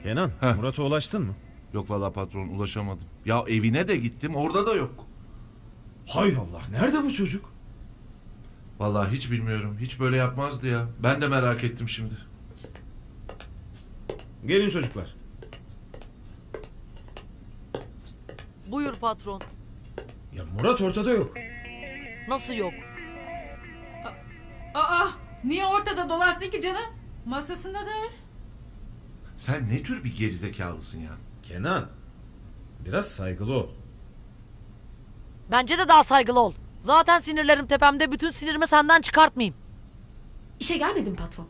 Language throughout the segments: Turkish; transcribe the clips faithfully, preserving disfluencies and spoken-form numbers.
Kenan, Heh. Murat'a ulaştın mı? Yok vallahi patron, ulaşamadım. Ya evine de gittim, orada da yok. Hay Allah, nerede bu çocuk? Vallahi hiç bilmiyorum. Hiç böyle yapmazdı ya. Ben de merak ettim şimdi. Gelin çocuklar. Buyur patron. Ya Murat ortada yok. Nasıl yok? Aa, niye ortada dolaşsın ki canım? Masasındadır. Sen ne tür bir gerizekalısın ya? Kenan, biraz saygılı ol. Bence de daha saygılı ol. Zaten sinirlerim tepemde. Bütün sinirimi senden çıkartmayayım. İşe gelmedim patron.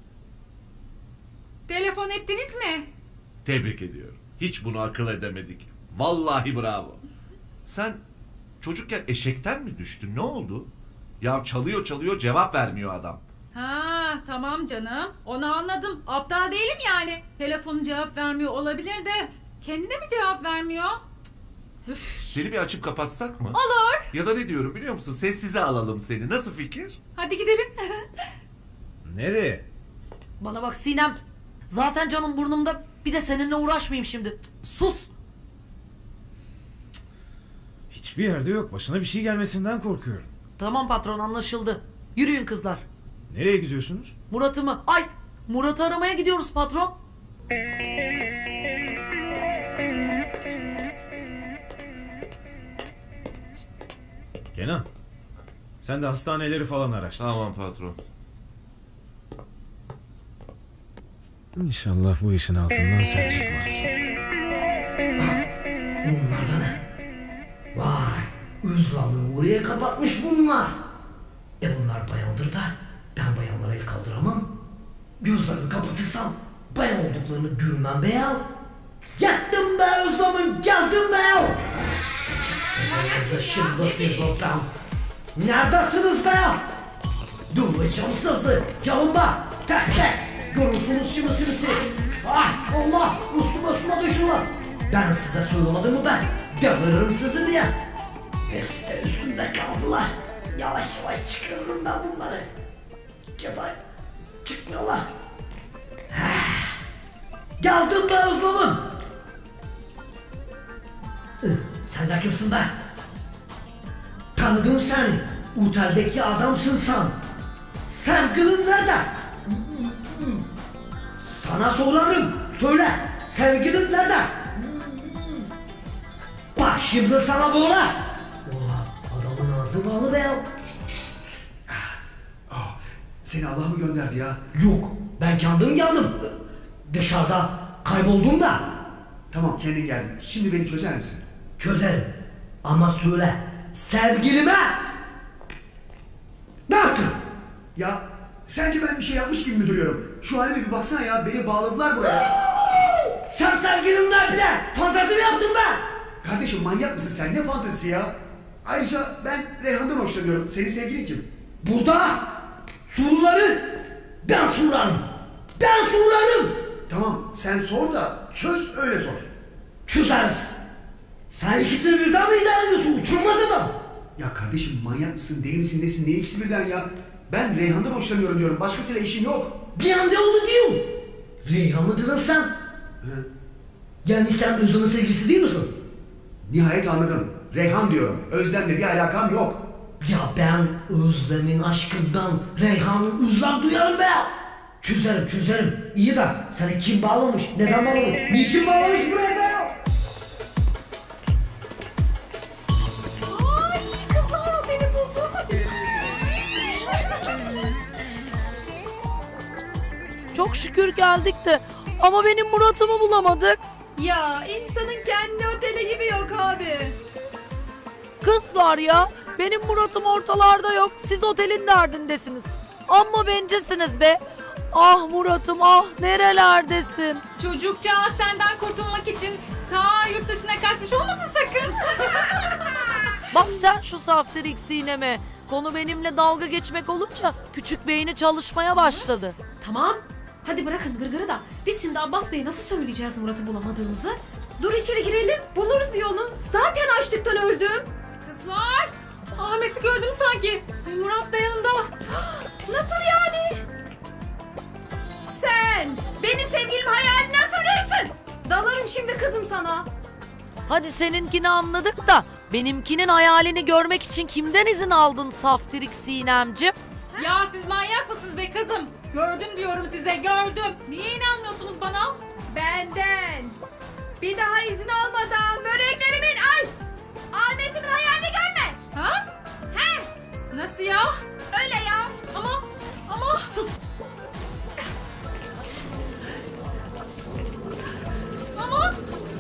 Telefon ettiniz mi? Tebrik ediyorum. Hiç bunu akıl edemedik. Vallahi bravo. Sen çocukken eşekten mi düştün? Ne oldu? Ya çalıyor çalıyor, cevap vermiyor adam. Ha, tamam canım. Onu anladım. Aptal değilim yani. Telefonu cevap vermiyor olabilir de kendine mi cevap vermiyor? Üf. Seni bir açıp kapatsak mı? Olur. Ya da ne diyorum biliyor musun? Sessize alalım seni. Nasıl fikir? Hadi gidelim. Nereye? Bana bak Sinem. Zaten canım burnumda. Bir de seninle uğraşmayayım şimdi. Sus. Hiçbir yerde yok. Başına bir şey gelmesinden korkuyorum. Tamam patron, anlaşıldı. Yürüyün kızlar. Nereye gidiyorsunuz? Murat'ı mı? Ay, Murat'ı aramaya gidiyoruz patron. Kenan, sen de hastaneleri falan araştır. Tamam patron. İnşallah bu işin altından sen çıkmazsın. Bunlar da ne? Vay, Özlem'i oraya kapatmış bunlar. E bunlar bayandır da ben bayanlara el kaldıramam. Gözlerimi kapatırsam bayan olduklarını görmem be ya. Yattım be Özlem'im, geldim be ya. Şimdi siz oradan. Neredesiniz be ya? Durmayacağım sizi. Gelin be, tek tek. Görürsünüz şimdi sizi siz. Ah Allah, üstüme üstüme düşürler. Ben size söylemedim mi ben? Deviririm sizi diye. Hepsi de üstümde kaldılar. Yavaş yavaş çıkarırım ben bunları. Ya da çıkmıyorlar. Ah. Geldim be Özlem'im. Ih, sen de kimsin be? Tanıdım seni. Oteldeki adamsın sen. Sevgilin nerede? Sana sorarım. Söyle. Sevgilin nerede? Bak şimdi sana böyle. Oha, adamın ağzı bağlı be ya. Seni Allah mı gönderdi ya? Yok, ben kendim geldim. Dışarıda kayboldum da. Tamam, kendin geldin. Şimdi beni çözer misin? Çözerim. Ama söyle, sevgilime ne yaptın? Ya sence ben bir şey yapmış gibi mi duruyorum? Şu halime bir baksana ya, beni bağladılar buraya. Sen sevgilimle bile fantezi mi yaptın be? Kardeşim manyak mısın sen? Ne fantezisi ya? Ayrıca ben Reyhan'dan hoşlanıyorum. Senin sevgilin kim? Burada soruları ben sorarım. Ben sorarım. Tamam, sen sor da çöz, öyle sor. Çözeriz. Sen ikisini birden mi idare ediyorsun? Utanmaz adam. Ya kardeşim manyak mısın, deli misin, nesin, ne ikisi birden ya? Ben Reyhan'dan hoşlanıyorum diyorum, başkasıyla işim yok. Bir anda onu diyorum. Reyhan mı dedin sen? Hı. Yani sen Özlem'in sevgilisi değil misin? Nihayet anladım. Reyhan diyorum, Özlem'le bir alakam yok. Ya ben Özlem'in aşkından Reyhan'ın özlem duyarım be. Çözerim çözerim. İyi de seni kim bağlamış? Neden bağlamış? Niçin bağlamış buraya be? Ay kızlar oteli bulduk. Çok şükür geldik de. Ama benim Murat'ımı bulamadık. Ya insanın kendi oteli gibi yok abi. Kızlar ya. Benim Murat'ım ortalarda yok. Siz otelin derdindesiniz. Amma bencesiniz be. Ah Murat'ım ah, nerelerdesin? Çocukcağız senden kurtulmak için ta yurt dışına kaçmış olmasın sakın. Bak sen şu saftirik Sinem'e. Konu benimle dalga geçmek olunca küçük beyni çalışmaya başladı. Tamam. Hadi bırakın gırgırı da. Biz şimdi Abbas Bey'e nasıl söyleyeceğiz Murat'ı bulamadığımızı? Dur içeri girelim. Buluruz bir yolunu. Zaten açlıktan öldüm. Kızlar, Ahmet'i gördüm sanki. Ay, Murat da yanında. Nasıl yani? Sen benim sevgilimi hayal nasıl görürsün? anlatıyorum şimdi kızım sana. Hadi seninkini anladık da benimkinin hayalini görmek için kimden izin aldın Saftirik Sinemcim? Ya siz manyak mısınız be kızım? Gördüm diyorum size, gördüm. Niye inanmıyorsunuz bana? Benden. Bir daha izin almadan böreklerimin ay Ahmet'imin hayalini görme. Ha? He Nasıl ya? öyle ya. Ama, ama... Sus. Ama...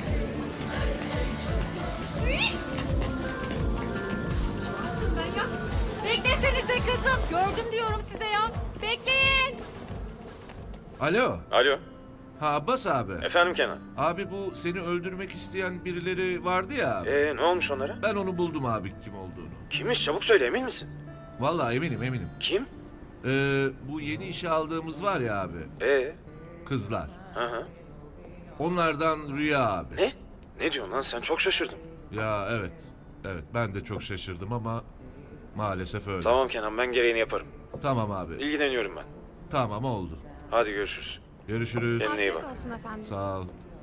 Ben ya... Beklesenize kızım. Gördüm diyorum size ya. Bekleyin. Alo. Alo, Ha Abbas abi. efendim Kenan. Abi bu seni öldürmek isteyen birileri vardı ya abi. Ee, ne olmuş onlara? Ben onu buldum abi kim olduğunu. Kimmiş? Çabuk söyle, emin misin? Vallahi eminim eminim. Kim? Ee, bu yeni işe aldığımız var ya abi. Ee, Kızlar. hı hı. Onlardan Rüya abi. Ne? Ne diyorsun lan? Sen çok şaşırdım. Ya evet. Evet ben de çok şaşırdım ama maalesef öyle. Tamam Kenan, ben gereğini yaparım. Tamam abi. İlgileniyorum ben. Tamam oldu. Hadi görüşürüz. Görüşürüz. Kendine iyi bak. Sağ ol.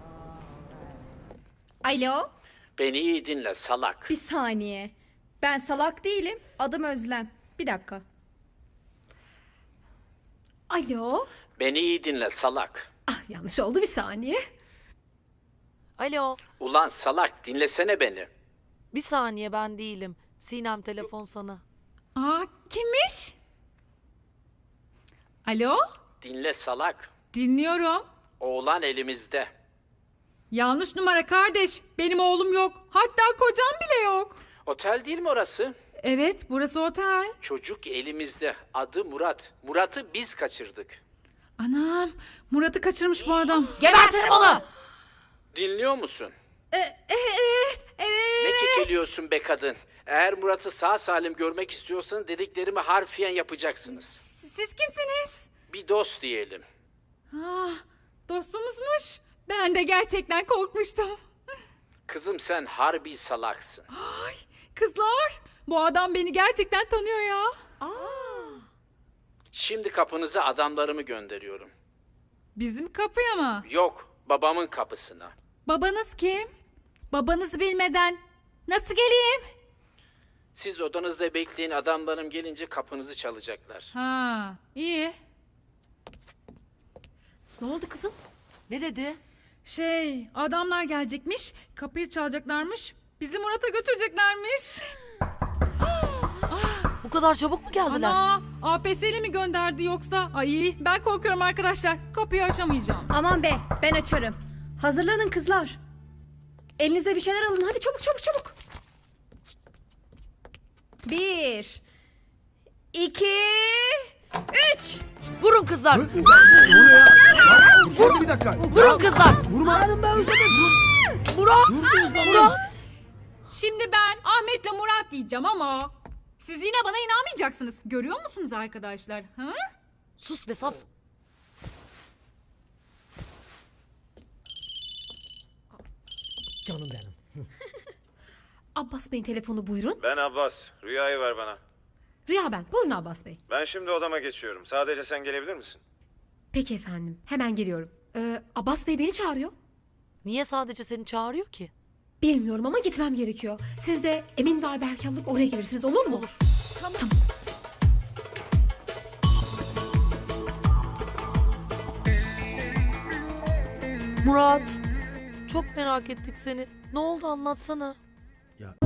Alo. Beni iyi dinle salak. Bir saniye. Ben salak değilim. Adım Özlem. Bir dakika. Alo. Beni iyi dinle salak. Ah yanlış oldu bir saniye. Alo, Ulan salak dinlesene beni. bir saniye ben değilim. Sinem telefon sana. Aa, kimmiş? Alo? Dinle salak. Dinliyorum. Oğlan elimizde. Yanlış numara kardeş. Benim oğlum yok. Hatta kocam bile yok. Otel değil mi orası? Evet, burası otel. Çocuk elimizde. Adı Murat. Murat'ı biz kaçırdık. Anam, Murat'ı kaçırmış bu adam. Gebertirim onu! Dinliyor musun? E, e, evet, evet. Ne kekeliyorsun be kadın? Eğer Murat'ı sağ salim görmek istiyorsan dediklerimi harfiyen yapacaksınız. Siz kimsiniz? Bir dost diyelim. Ah, dostumuzmuş. Ben de gerçekten korkmuştum. Kızım sen harbi salaksın. Ay, kızlar, bu adam beni gerçekten tanıyor ya. Şimdi kapınıza adamlarımı gönderiyorum. Bizim kapıya mı? Yok, babamın kapısına. Babanız kim? Babanızı bilmeden nasıl geleyim? Siz odanızda bekleyin, adamlarım gelince kapınızı çalacaklar. Ha, iyi. Ne oldu kızım? Ne dedi? Şey, adamlar gelecekmiş, kapıyı çalacaklarmış, bizi Murat'a götüreceklermiş. Bu kadar çabuk mu geldiler? Ana, A P S'li mi gönderdi yoksa? Ay, ben korkuyorum arkadaşlar. Kapıyı açamayacağım. Aman be ben açarım. Hazırlanın kızlar. Elinize bir şeyler alın. Hadi çabuk çabuk çabuk. Bir. iki, Üç. Vurun kızlar! Ne oluyor ya? Ya, Dursana bir dakika. Vurun kızlar! Vurma. Murat! Murat! Şimdi ben Ahmet'le Murat diyeceğim ama siz yine bana inanmayacaksınız. Görüyor musunuz arkadaşlar? Ha? Sus be saf! Canım benim. Abbas Bey'in telefonu buyurun. Ben Abbas. Rüyayı ver bana. Rüya ben. Buyurun Abbas Bey. Ben şimdi odama geçiyorum. Sadece sen gelebilir misin? Peki efendim. Hemen geliyorum. Ee, Abbas Bey beni çağırıyor. Niye sadece seni çağırıyor ki? Bilmiyorum ama gitmem gerekiyor. Siz de Emin ve Ayberk alıp oraya gelirsiniz olur mu? Olur. Tamam. tamam. Murat, çok merak ettik seni. Ne oldu anlatsana. Ya